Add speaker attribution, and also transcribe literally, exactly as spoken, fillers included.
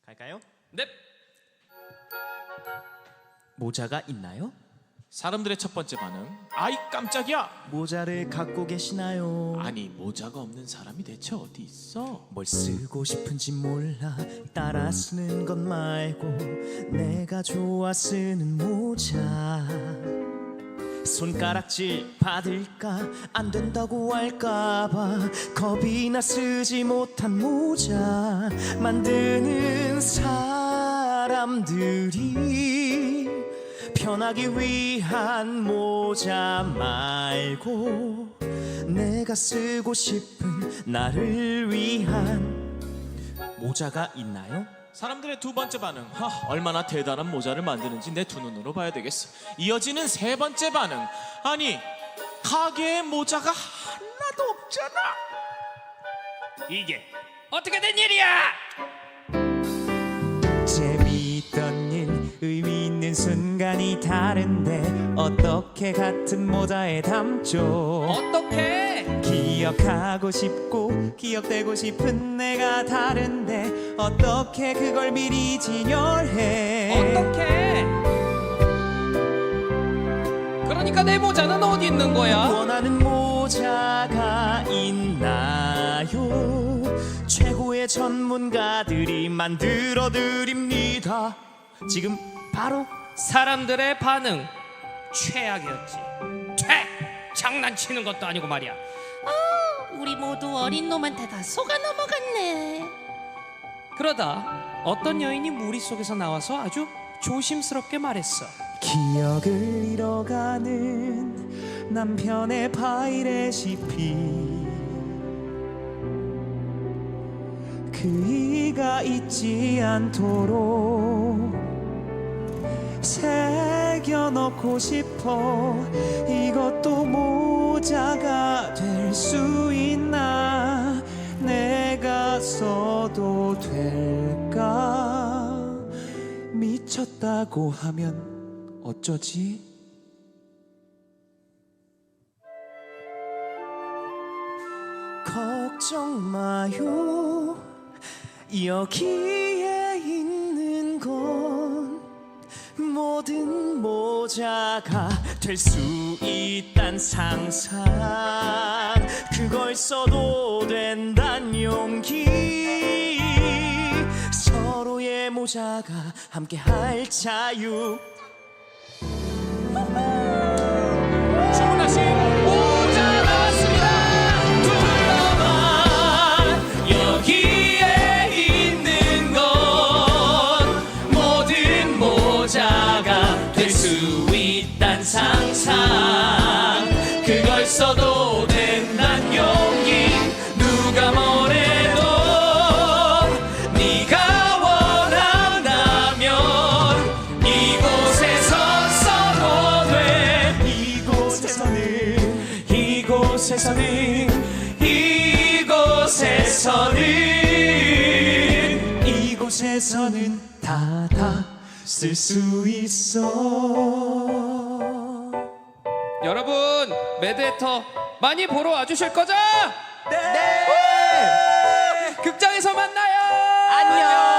Speaker 1: 갈까요?
Speaker 2: 넵.
Speaker 1: 모자가 있나요?
Speaker 2: 사람들의 첫 번째 반응, 아이 깜짝이야.
Speaker 1: 모자를 갖고 계시나요?
Speaker 2: 아니, 모자가 없는 사람이 대체 어디 있어?
Speaker 1: 뭘 쓰고 싶은지 몰라 따라 쓰는 것 말고 내가 좋아 쓰는 모자. 손가락질 받을까 안 된다고 할까봐 겁이 나 쓰지 못한 모자 만드는 사람들이 편하기 위한 모자 말고 내가 쓰고 싶은 나를 위한 모자가 있나요?
Speaker 2: 사람들의 두 번째 반응, 하, 얼마나 대단한 모자를 만드는지 내 두 눈으로 봐야 되겠어. 이어지는 세 번째 반응, 아니 가게에 모자가 하나도 없잖아.
Speaker 3: 이게 어떻게 된 일이야?
Speaker 1: 재미있던 일, 의미 있는 순간이 다른데 어떻게 같은 모자에 담죠?
Speaker 3: 어떻게?
Speaker 1: 기억하고 싶고 기억되고 싶은 내가 다른데 어떻게 그걸 미리 진열해?
Speaker 3: 어떻게? 그러니까 내 모자는 어디 있는 거야?
Speaker 1: 원하는 모자가 있나요? 최고의 전문가들이 만들어 드립니다. 지금 바로
Speaker 3: 사람들의 반응 최악이었지. 퇴! 장난치는 것도 아니고 말이야.
Speaker 4: 우리 모두 어린 놈한테 다 속아 넘어갔네.
Speaker 3: 그러다 어떤 여인이 무리 속에서 나와서 아주 조심스럽게 말했어.
Speaker 1: 기억을 잃어가는 남편의 파이레시피 그이가 잊지 않도록 새겨넣고 싶어. 이것도 모자가 될 수 있나? 내가 써도 될까? 미쳤다고 하면 어쩌지? 걱정 마요. 여기에 있는 건 모든 모자가 될 수 있단 상상. 그걸 써도 된단 용기. 서로의 모자가 함께할 자유.
Speaker 3: 주문하신 모자 나왔습니다.
Speaker 2: 둘러봐, 여기에 있는 건 모든 모자가 될 수 있단 상상. 그걸 써도 된단 용기. 누가 뭐래도 네가 원한다면 이곳에서 써도 돼.
Speaker 1: 이곳에서는
Speaker 2: 이곳에서는 이곳에서는
Speaker 1: 이곳에서는 다 다 쓸 수 있어.
Speaker 3: 여러분, 매드헤터 많이 보러 와주실 거죠?
Speaker 1: 네.
Speaker 3: 극장에서 만나요.
Speaker 1: 안녕.